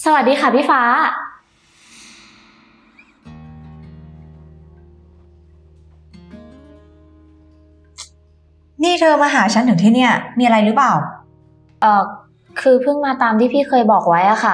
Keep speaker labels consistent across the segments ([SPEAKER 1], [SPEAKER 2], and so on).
[SPEAKER 1] สวัสดีค่ะพี่ฟ้า
[SPEAKER 2] นี่เธอมาหาฉันถึงที่เนี่ยมีอะไรหรือเปล่า
[SPEAKER 1] เอ่อคือเพิ่งมาตามที่พี่เคยบอกไว้อะค่ะ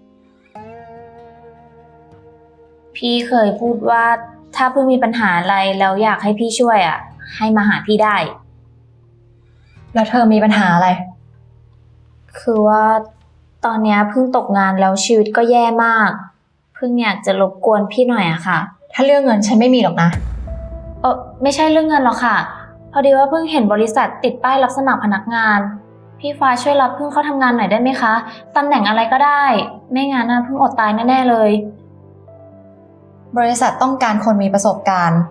[SPEAKER 1] พี่เคยพูดว่าถ้าเพิ่งมีปัญหาอะไรแล้วอยากให้พี่ช่วยอะให้มาหาพี่ได้
[SPEAKER 2] แล้วเธอมีปัญหาอะไร
[SPEAKER 1] คือว่าตอนนี้เพิ่งตกงานแล้วชีวิตก็แย่มากเพิ่งอยากจะรบกวนพี่หน่อยอะค่ะ
[SPEAKER 2] ถ้าเรื่องเงินฉันไม่มีหรอกนะ
[SPEAKER 1] ไม่ใช่เรื่องเงินหรอกค่ะพอดีว่าเพิ่งเห็นบริษัทติดป้ายรับสมัครพนักงานพี่ฟ้าช่วยรับเพิ่งเข้าทำงานหน่อยได้ไหมคะตำแหน่งอะไรก็ได้ไม่งั้นเพิ่งอดตายแน่ๆเลย
[SPEAKER 2] บริษัทต้องการคนมีประสบการณ์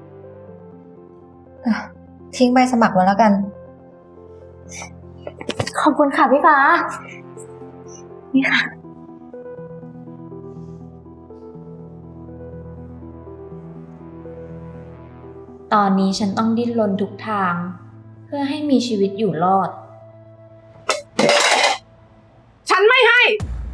[SPEAKER 2] ทิ้งใบสมัครไว้แล้วกัน
[SPEAKER 1] ขอบคุณค่ะพี่ฟ้านี่ค่ะตอนนี้ฉันต้องดิ้นรนทุกทางเพื่อให้มีชีวิตอยู่รอด
[SPEAKER 3] ฉันไม่ให้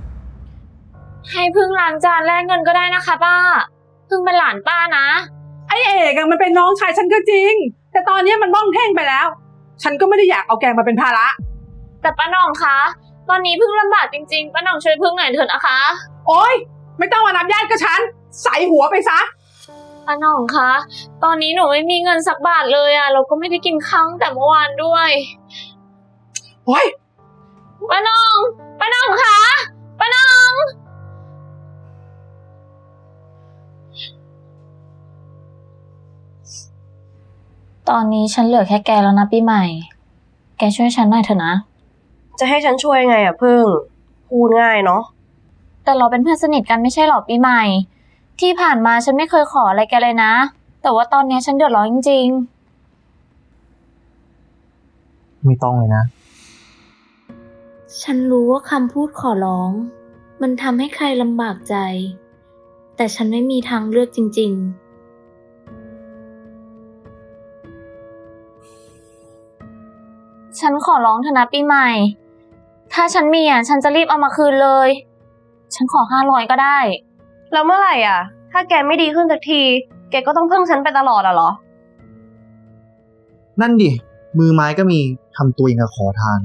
[SPEAKER 1] พึ่งล้างจานแลกเงินก็ได้นะคะป้าพึ่งเป็นหลานป้านะ
[SPEAKER 3] ไอ้เอกอะมันเป็นน้องชายฉันก็จริงแต่ตอนนี้มันบ้องแท่งไปแล้วฉันก็ไม่ได้อยากเอาแกมาเป็นภาระ
[SPEAKER 1] แต่ป้าหน่องคะตอนนี้พึ่งลำบากจริงๆป้าหน่องช่วยพึ่งหน่อยเถอะนะคะ
[SPEAKER 3] โอ๊ยไม่ต้องมานับญาติกับฉันใส่หัวไปซะ
[SPEAKER 1] ป้าหน่องคะตอนนี้หนูไม่มีเงินสักบาทเลยเราก็ไม่ได้กินข้าวตั้งแต่เมื่อวานด้วย
[SPEAKER 3] โอ๊ย
[SPEAKER 1] ป้าหน่องคะป้าหน่องตอนนี้ฉันเหลือแค่แกแล้วนะปีใหม่แกช่วยฉันหน่อยเถอะนะ
[SPEAKER 4] จะให้ฉันช่วยไงอะพึ่งพูดง่ายเนาะ
[SPEAKER 1] แต่เราเป็นเพื่อนสนิทกันไม่ใช่หรอปีใหม่ที่ผ่านมาฉันไม่เคยขออะไรแกเลยนะแต่ว่าตอนนี้ฉันเดือดร้อนจริง
[SPEAKER 5] ๆไม่ต้องเลยนะ
[SPEAKER 1] ฉันรู้ว่าคำพูดขอร้องมันทำให้ใครลำบากใจแต่ฉันไม่มีทางเลือกจริงๆฉันขอร้องเถอะนะปีใหม่ถ้าฉันมีฉันจะรีบเอามาคืนเลยฉันขอ500ก็ได้
[SPEAKER 4] แล้วเมื่อไหร่อ่ะถ้าแกไม่ดีขึ้นสักทีแกก็ต้องพึ่งฉันไปตลอดเหรอ
[SPEAKER 5] นั่นดิมือไม้ก็มีทำตัวเองกับขอทาน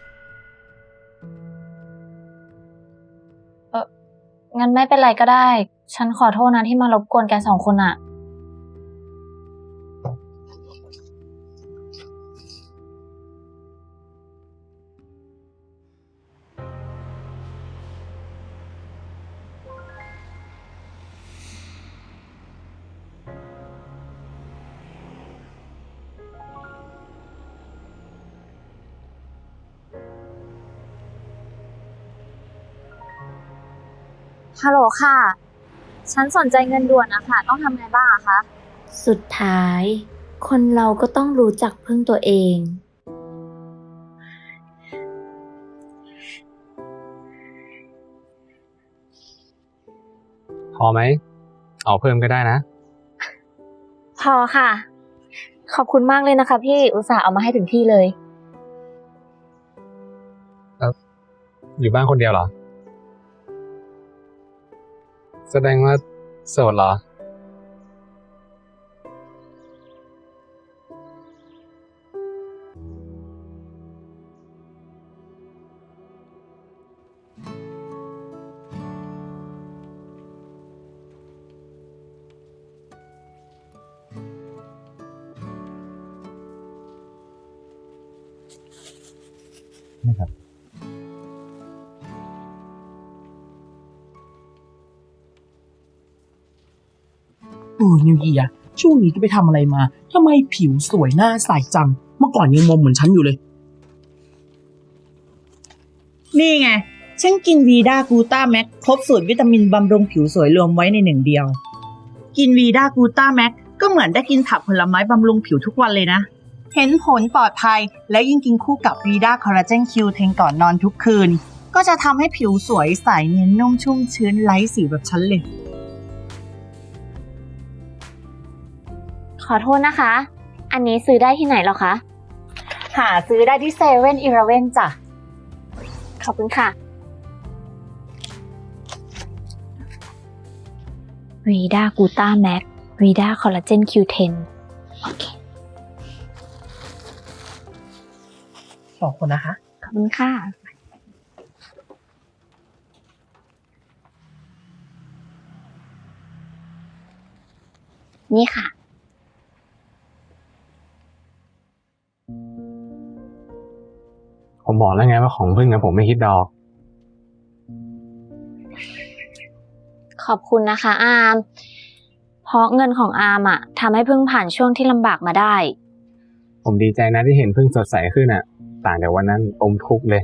[SPEAKER 1] งั้นไม่เป็นไรก็ได้ฉันขอโทษนะที่มารบกวนแก2 คนอะฮัลโหลค่ะฉันสนใจเงินด่วนนะคะต้องทำไงบ้างคะสุดท้ายคนเราก็ต้องรู้จักพึ่งตัวเอง
[SPEAKER 6] พอไหมเอาเพิ่มก็ได้นะ
[SPEAKER 1] พอค่ะขอบคุณมากเลยนะคะพี่อุตส่าห์เอามาให้ถึงที่เลย
[SPEAKER 6] อยู่บ้านคนเดียวเหรอแสดงว่าโสดเหรอ
[SPEAKER 5] นะครับ
[SPEAKER 7] นิวเยียช่วงนี้ก็ไปทำอะไรมาทำไมผิวสวยหน้าใสจังเมื่อก่อนยังมอมเหมือนฉันอยู่เลย
[SPEAKER 8] นี่ไงฉันกินวีด้ากูต้าแม็กครบสูตรวิตามินบำรุงผิวสวยรวมไว้ใน1 เดียวกินวีด้ากูต้าแม็กก็เหมือนได้กินผักผลไม้บำรุงผิวทุกวันเลยนะเห็นผลปลอดภัยและยิ่งกินคู่กับวีด้าคอลลาเจนคิวเทงก่อนนอนทุกคืนก็จะทำให้ผิวสวยใสเนียนนุ่มชุ่มชื้นไร้สิวแบบฉันเลย
[SPEAKER 1] ขอโทษนะคะอันนี้ซื้อได้ที่ไหนหรอคะ
[SPEAKER 8] หาซื้อได้ที่7-Elevenจ้ะ
[SPEAKER 1] ขอบคุณค่ะวีดากูต้าแม็กวีดาคอลลาเจน Q10 โอเค
[SPEAKER 7] ขอบคุณนะคะ
[SPEAKER 1] ขอบคุณค่ะ นี่ค่ะ
[SPEAKER 6] ผมบอกแล้วไงว่าของพึ่งนะผมไม่คิดดอก
[SPEAKER 1] ขอบคุณนะคะอาม เพราะเงินของอามอะทำให้เพิ่งผ่านช่วงที่ลำบากมาได้
[SPEAKER 6] ผมดีใจนะที่เห็นพึ่งสดใสขึ้นอ่ะ ต่างจากวันนั้นอมทุกข์เลย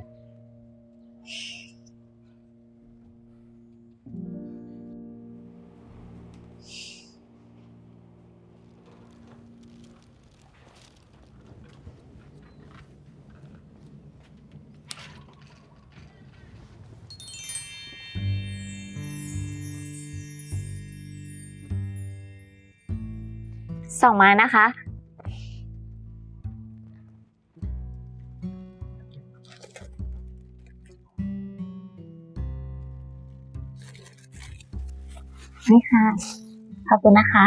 [SPEAKER 1] 2 ไม้นะคะ นี่ค่ะ ขอบคุณนะคะ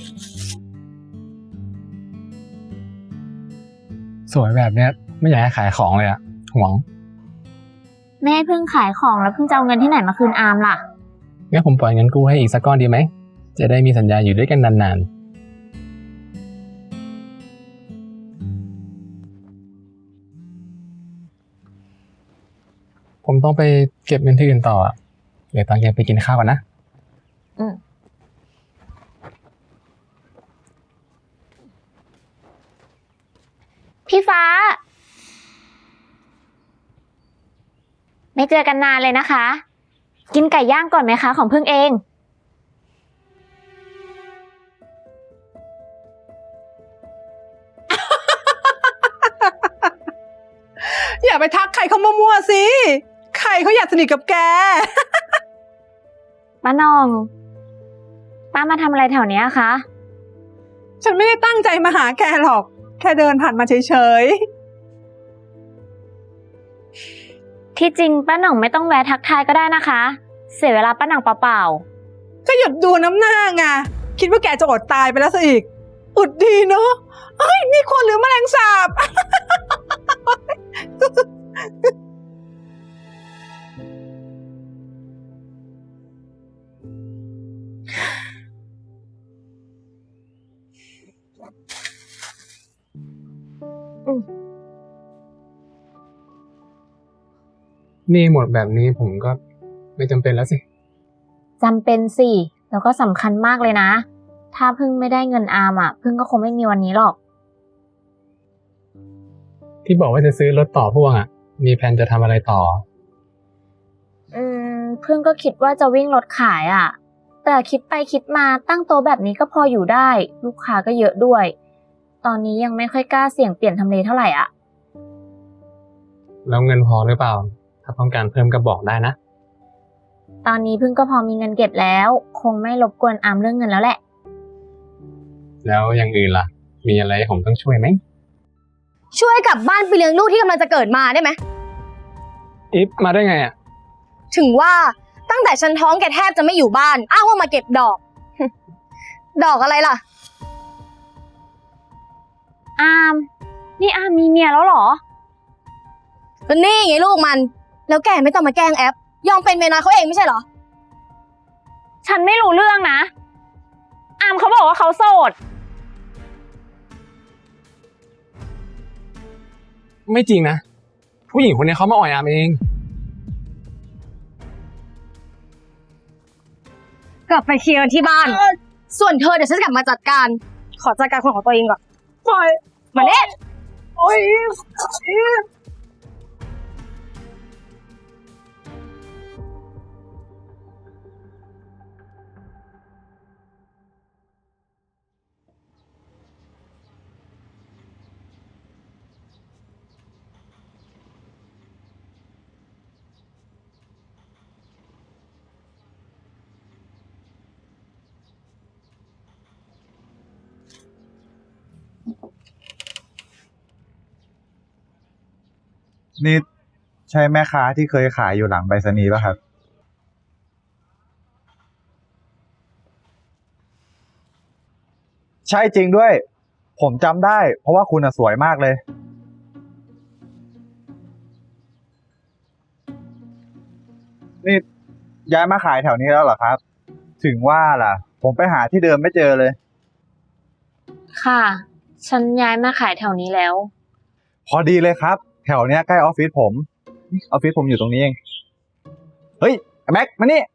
[SPEAKER 6] สวยแบบเนี้ยไม่อยากให้ขายของเลยอ่ะหวง
[SPEAKER 1] แม่เพิ่งขายของแล้วเพิ่งจะเอาเงินที่ไหนมาคืนอามล่ะ
[SPEAKER 6] งั้นผมปล่อยเงินกู้ให้อีกสักก้อนดีไหม จะได้มีสัญญาอยู่ด้วยกันนานๆ ผมต้องไปเก็บเงินที่อื่นต่ออะเดี๋ยวตอนเย็นไปกินข้าวก่อนนะ
[SPEAKER 1] พี่ฟ้า ไม่เจอกันนานเลยนะคะ กินไก่ย่างก่อนไหมคะของเพิ่งเอง
[SPEAKER 3] อย่าไปทักใครเขามั่วๆสิ ใครเขาอยากสนิทกับแก
[SPEAKER 1] ป้านอง ป้ามาทำอะไรแถวเนี้ยคะ
[SPEAKER 3] ฉันไม่ได้ตั้งใจมาหาแกหรอก แค่เดินผ่านมาเฉย
[SPEAKER 1] ที่จริงป้าหน่องไม่ต้องแวะทักทายก็ได้นะคะ เสียเวลาป้าหน่องเปล่า
[SPEAKER 3] ๆ ก็หยุดดูน้ำหน้าไง คิดว่าแกจะอดตายไปแล้วซะอีก อุดดีเนาะเฮ้ย นี่คนหรือแมลงสาบ
[SPEAKER 6] นี่หมดแบบนี้ผมก็ไม่จำเป็นแล้วสิ
[SPEAKER 1] ๆจำเป็นสิ แล้วก็สำคัญมากเลยนะ ถ้าเพิ่งไม่ได้เงินอามอ่ะ เพิ่งก็คงไม่มีวันนี้หรอก
[SPEAKER 6] ที่บอกว่าจะซื้อรถต่อพ่วงอ่ะ มีแผนจะทำอะไรต่อ
[SPEAKER 1] เพิ่งก็คิดว่าจะวิ่งรถขายอ่ะ แต่คิดไปคิดมาตั้งโต๊ะแบบนี้ก็พออยู่ได้ ลูกค้าก็เยอะด้วย ตอนนี้ยังไม่ค่อยกล้าเสี่ยงเปลี่ยนทำเลเท่าไหร่อ่ะ
[SPEAKER 6] แล้วเงินพอหรือเปล่า ถ้าต้องการเพิ่มก็บอกได้นะ
[SPEAKER 1] ตอนนี้เพิ่งก็พอมีเงินเก็บแล้ว คงไม่รบกวนอามเรื่องเงินแล้วแหละ
[SPEAKER 6] แล้วอย่างอื่นล่ะ มีอะไรผมต้องช่วยไหม
[SPEAKER 4] ช่วยกลับบ้านไปเลี้ยงลูกที่กำลังจะเกิดมาได้ไหม
[SPEAKER 6] อิฟมาได้ไงอ่ะ
[SPEAKER 4] ถึงว่าตั้งแต่ฉันท้องแกแทบจะไม่อยู่บ้าน อ้างว่ามาเก็บดอก ดอกอะไรล่ะ
[SPEAKER 1] อาม นี่อามมีเมียแล้วเหรอ
[SPEAKER 4] ก็นี่ไงลูกมัน แล้วแกไม่ต้องมาแกล้งแอป ยอมเป็นเมียน้อยเขาเองไม่ใช่เหรอ
[SPEAKER 1] ฉันไม่รู้เรื่องนะ อามเขาบอกว่าเขาโสด
[SPEAKER 6] ไม่จริงนะ ผู้หญิงคนนี้เขามาอ่อยอามเอง
[SPEAKER 4] กลับไปเคลียร์กันที่บ้าน ส่วนเธอเดี๋ยวฉันจะกลับมาจัดการ ขอจัดการคนของตัวเองก่อน
[SPEAKER 3] ปล่อย
[SPEAKER 4] มาเล่น
[SPEAKER 3] โอ้ย
[SPEAKER 5] นี่ใช่แม่ค้าที่เคยขายอยู่หลังไปรษณีย์ป่ะครับใช่จริงด้วย ผมจำได้ เพราะว่าคุณสวยมากเลย นี่ย้ายมาขายแถวนี้แล้วเหรอครับ ถึงว่าล่ะ ผมไปหาที่เดิมไม่เจอเลย
[SPEAKER 1] ค่ะ ฉันย้ายมาขายแถวนี้แล้ว
[SPEAKER 5] พอดีเลยครับ แถวเนี้ยใกล้ออฟฟิศผมนี่ออฟฟิศผมอยู่ตรงนี้เอง เฮ้ยแม็กมานี่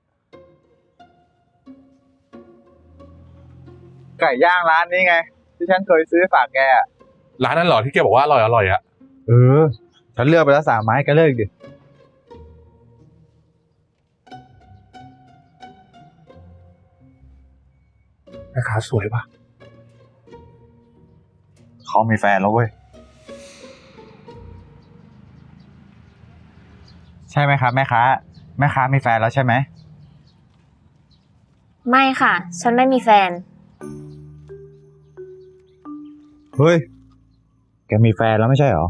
[SPEAKER 5] ไก่ย่างร้านนี้ไง ที่ฉันเคยซื้อฝากแกอะ
[SPEAKER 9] ร้านนั้นเหรอที่แกบอกว่าอร่อยอร่อยอะ
[SPEAKER 5] ฉันเลือกไปแล้ว3 ไม้แกเลิกดิ
[SPEAKER 9] แม่ค้าสวยปะ
[SPEAKER 5] เขามีแฟนแล้วเว้ย ใช่ไหมครับแม่ค้า แม่ค้ามีแฟนแล้วใช่ไหม
[SPEAKER 1] ไม่ค่ะ ฉันไม่มีแฟน
[SPEAKER 5] เฮ้ย แกมีแฟนแล้วไม่ใช่เหรอ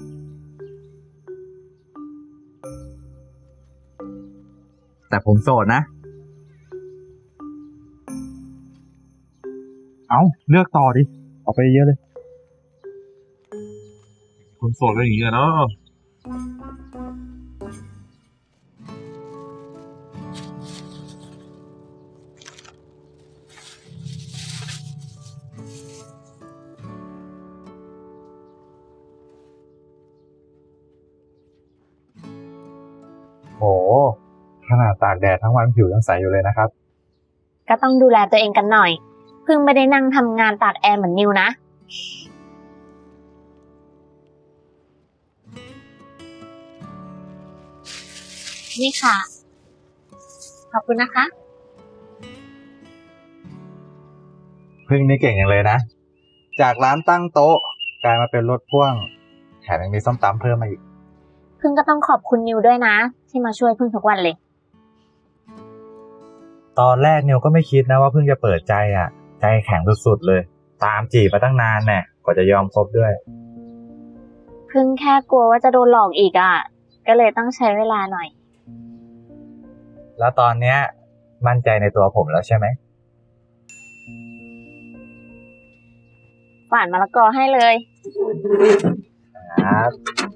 [SPEAKER 5] แต่ผมโสดนะ เอาเลือกต่อดิ เอาไปเยอะเลย
[SPEAKER 9] คนโสดอะไรอย่างเงี้ยเนาะ
[SPEAKER 5] โห ขนาดตากแดดทั้งวันผิวยังใสอยู่เลยนะครับ
[SPEAKER 1] ก็ต้องดูแลตัวเองกันหน่อย เพิ่งไม่ได้นั่งทำงานตากแอร์เหมือนนิวนะ นี่ค่ะ ขอบคุณนะคะ
[SPEAKER 5] พึ่งนี่เก่งอย่างเลยนะ จากร้านตั้งโต๊ะกลายมาเป็นรถพ่วง แถมยังมีส้มตำเพิ่มมาอีก
[SPEAKER 1] เพิ่งก็ต้องขอบคุณนิวด้วยนะ ที่มาช่วยเพิ่งทุกวันเลย
[SPEAKER 5] ตอนแรกนิวก็ไม่คิดนะว่าเพิ่งจะเปิดใจอ่ะ ใจแข็งสุดๆเลย ตามจีบมาตั้งนานแน่กว่าจะยอมคบด้วย
[SPEAKER 1] เพิ่งแค่กลัวว่าจะโดนหลอกอีกอ่ะ ก็เลยต้องใช้เวลาหน่อย
[SPEAKER 5] แล้วตอนเนี้ยมั่นใจในตัวผมแล้วใช่ไหม
[SPEAKER 1] ฝานมะละกอให้เลย
[SPEAKER 5] ครับ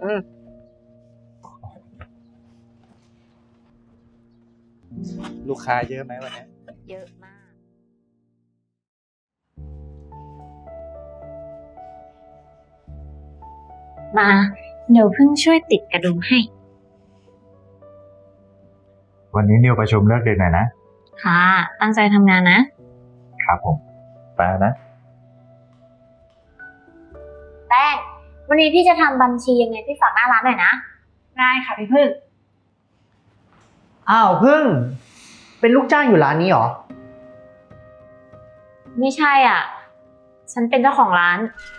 [SPEAKER 5] ลูกค้าเยอะไหมวันนี้
[SPEAKER 1] เยอะมาก มา เดี๋ยวเพิ่งช่วยติดกระดุมให้
[SPEAKER 5] วันนี้นิวประชุมเลิกดึกหน่อยนะ
[SPEAKER 1] ค่ะ ตั้งใจทำงานนะ
[SPEAKER 5] ครับผม ไปแล้วนะ
[SPEAKER 1] แป้ง วันนี้พี่จะทำบัญชียังไงพี่ฝากหน้าร้านหน่อยนะ ได้ค่ะพี่พึ่ง
[SPEAKER 10] อ้าวพึ่ง เป็นลูกจ้างอยู่ร้านนี้เหรอ
[SPEAKER 1] ไม่ใช่อ่ะ ฉันเป็นเจ้าของร้าน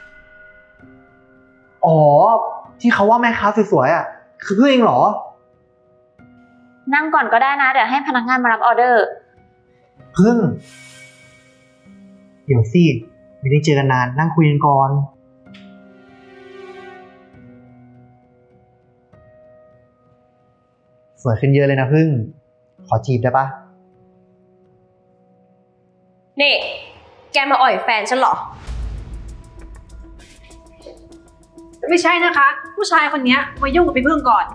[SPEAKER 10] อ๋อ ที่เขาว่าแม่ค้าสวยๆอ่ะ คือพึ่งเองเหรอ
[SPEAKER 1] นั่งก่อนก็ได้นะ เดี๋ยวให้พนักงานมารับออเดอร์
[SPEAKER 10] พึ่ง เดี๋ยวสิ ไม่ได้เจอกันนาน นั่งคุยกันก่อน สวยขึ้นเยอะเลยนะพึ่ง ขอจีบได้ปะ
[SPEAKER 4] นี่ แกมาอ่อยแฟนฉันเหรอ
[SPEAKER 3] ไม่ใช่นะคะ ผู้ชายคนนี้มายุ่งกับพี่พึ่งก่อน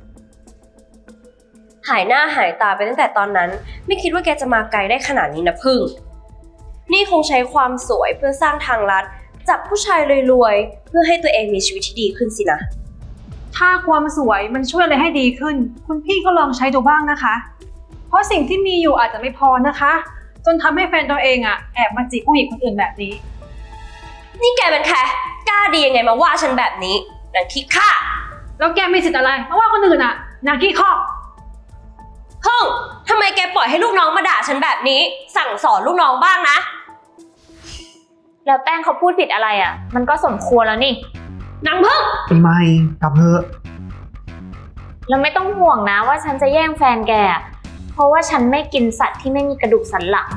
[SPEAKER 4] หายหน้าหายตาไปตั้งแต่ตอนนั้น ไม่คิดว่าแกจะมาไกลได้ขนาดนี้นะพึ่ง นี่คงใช้ความสวยเพื่อสร้างทางลัดจับผู้ชายรวยๆเพื่อให้ตัวเองมีชีวิตที่ดีขึ้นสินะ
[SPEAKER 3] ถ้าความสวยมันช่วยอะไรให้ดีขึ้น คุณพี่ก็ลองใช้ดูบ้างนะคะ เพราะสิ่งที่มีอยู่อาจจะไม่พอนะคะ จนทำให้แฟนตัวเองอ่ะแอบมาจีบผู้หญิงคนอื่นแบบนี้
[SPEAKER 4] นี่แกเป็นใครกล้าดียังไงมาว่าฉันแบบนี้นางขี้ข้า
[SPEAKER 3] แล้วแกมีสิทธิ์อะไรมาว่าคนอื่นอ่ะนางขี้ข้อ
[SPEAKER 4] พึ่งทำไมแกปล่อยให้ลูกน้องมาด่าฉันแบบนี้ สั่งสอนลูกน้องบ้างนะ
[SPEAKER 1] แล้วแป้งเขาพูดผิดอะไรอ่ะ มันก็สมควรแล้วนี่
[SPEAKER 4] นางพึ่ง
[SPEAKER 10] ปีใหม่กลับเถอะ
[SPEAKER 1] แล้วไม่ต้องห่วงนะว่าฉันจะแย่งแฟนแกอะเพราะว่าฉันไม่กินสัตว์ที่ไม่มีกระดูกสันหลัง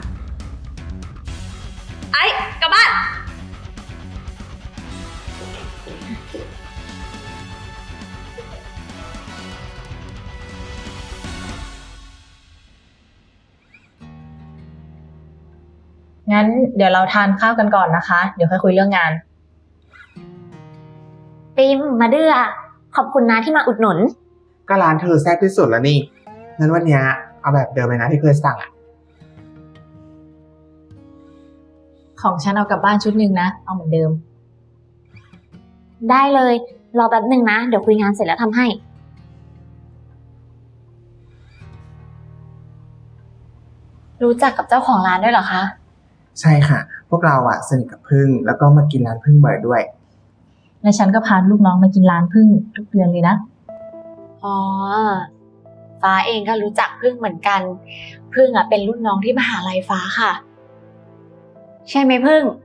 [SPEAKER 4] ไอ้กลับบ้าน
[SPEAKER 2] งงั้นเดี๋ยวเราทานข้าวกันก่อนนะคะ เดี๋ยวค่อยคุยเรื่องงาน
[SPEAKER 1] ปิมมาเดือขอบคุณนะที่มาอุดหนุน
[SPEAKER 11] ก็ร้านเธอแซ่บที่สุดแล้วนี่ งั้นวันเนี้ยเอาแบบเดิมเลยนะที่เคยสั่งอ่ะ
[SPEAKER 2] ของฉันเอากลับบ้านชุดหนึ่งนะ เอาเหมือนเดิม
[SPEAKER 1] ได้เลย รอแป๊บหนึ่งนะ เดี๋ยวคุยงานเสร็จแล้วทำให้
[SPEAKER 2] รู้จักกับเจ้าของร้านด้วยเหรอคะ
[SPEAKER 11] ใช่ค่ะ พวกเราอ่ะสนิทกับพึ่งแล้วก็มากินร้านพึ่งบ่อยด้วย
[SPEAKER 2] และฉันก็พาลูกน้องมากินร้านพึ่งทุกเดือนเลยนะ อ๋อ ฟ้าเองก็รู้จักพึ่งเหมือนกัน พึ่งอ่ะเป็นรุ่นน้องที่มหาลัยฟ้าค่ะ ใช่ไหมพึ่ง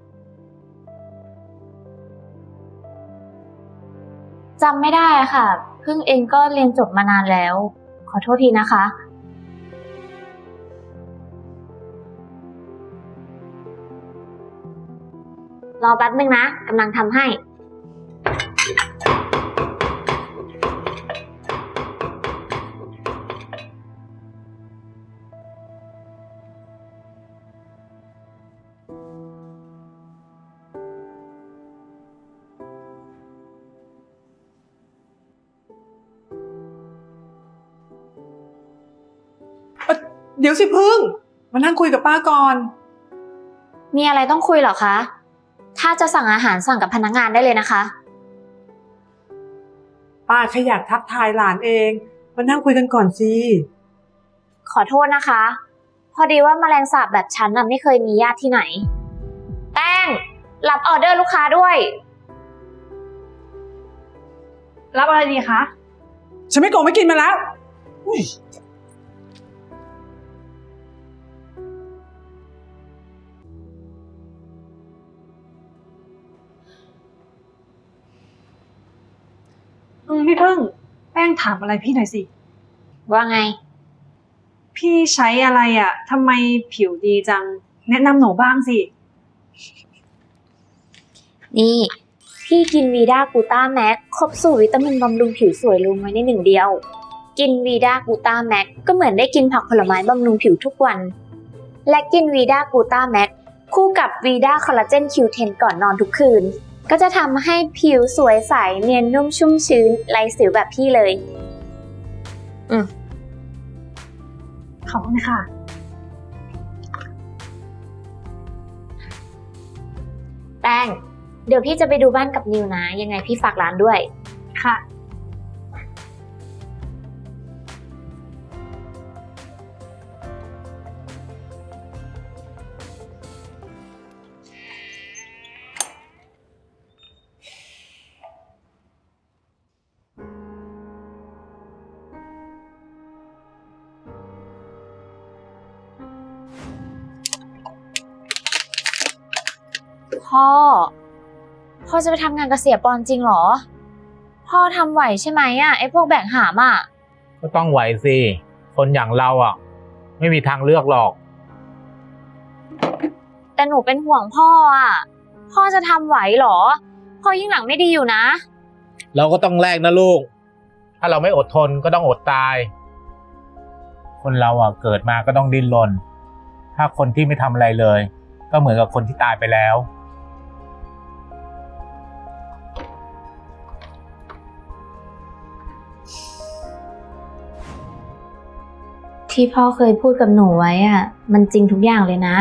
[SPEAKER 1] จำไม่ได้อะค่ะ พึ่งเองก็เรียนจบมานานแล้ว ขอโทษทีนะคะ รอแป๊บนึงนะกำลังทำให้
[SPEAKER 3] เดี๋ยวสิพึ่ง มานั่งคุยกับป้าก่อน
[SPEAKER 1] มีอะไรต้องคุยเหรอคะ ถ้าจะสั่งอาหารสั่งกับพนักงานได้เลยนะคะ
[SPEAKER 3] ป้าแค่อยากทักทายหลานเอง มานั่งคุยกันก่อนสิ
[SPEAKER 1] ขอโทษนะคะ พอดีว่าแมลงสาบแบบฉันน่ะไม่เคยมีญาติที่ไหน แป้ง รับออเดอร์ลูกค้าด้วย
[SPEAKER 3] รับอะไรดีคะ ฉันไม่โกงไม่กินมาแล้วพี่พึ่ง แป้งถามอะไรพี่หน่อยสิ
[SPEAKER 1] ว่าไง
[SPEAKER 3] พี่ใช้อะไรอ่ะทำไมผิวดีจัง แนะนำหนูบ้างสิ
[SPEAKER 1] นี่ พี่กินวีด้ากูต้าแม็กครบสูตรวิตามินบำรุงผิวสวยรวมไว้ในหนึ่งเดียว กินวีด้ากูต้าแม็กก็เหมือนได้กินผักผลไม้บำรุงผิวทุกวัน และกินวีด้ากูต้าแม็กคู่กับวีด้าคอลลาเจน Q10 ก่อนนอนทุกคืน ก็จะทำให้ผิวสวยใสเนียนนุ่มชุ่มชื้นไร้สิวแบบพี่เลย
[SPEAKER 3] ขอบคุณค่ะ
[SPEAKER 1] แป้ง เดี๋ยวพี่จะไปดูบ้านกับนิวนะ ยังไงพี่ฝากร้านด้วย
[SPEAKER 3] ค่ะ
[SPEAKER 1] พ่อจะไปทำงานกับเสียปอนจริงเหรอ พ่อทำไหวใช่ไหมอ่ะไอ้พวกแบกหามอ่ะ
[SPEAKER 12] ก็ต้องไหวสิ คนอย่างเราอ่ะ ไม่มีทางเลือกหรอก
[SPEAKER 1] แต่หนูเป็นห่วงพ่ออ่ะ พ่อจะทำไหวเหรอ พ่อยิ่งหลังไม่ดีอยู่นะ
[SPEAKER 12] เราก็ต้องแลกนะลูก ถ้าเราไม่อดทนก็ต้องอดตาย คนเราอ่ะเกิดมาก็ต้องดิ้นรน ถ้าคนที่ไม่ทำอะไรเลย ก็เหมือนกับคนที่ตายไปแล้ว
[SPEAKER 1] ที่พ่อเคยพูดกับหนูไว้อ่ะ มันจริงทุกอย่างเลยนะ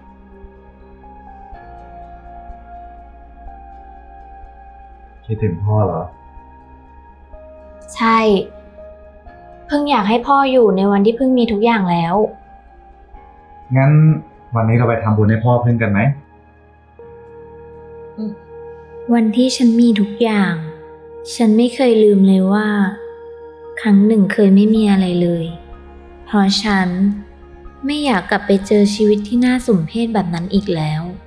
[SPEAKER 5] คิดถึงพ่อเหรอ
[SPEAKER 1] ใช่ เพิ่งอยากให้พ่ออยู่ในวันที่เพิ่งมีทุกอย่างแล้ว
[SPEAKER 5] งั้นวันนี้เราไปทำบุญให้พ่อพึ่งกันไหม
[SPEAKER 1] วันที่ฉันมีทุกอย่าง ฉันไม่เคยลืมเลยว่า ครั้งหนึ่งเคยไม่มีอะไรเลย เพราะฉันไม่อยากกลับไปเจอชีวิตที่น่าสมเพชแบบนั้นอีกแล้ว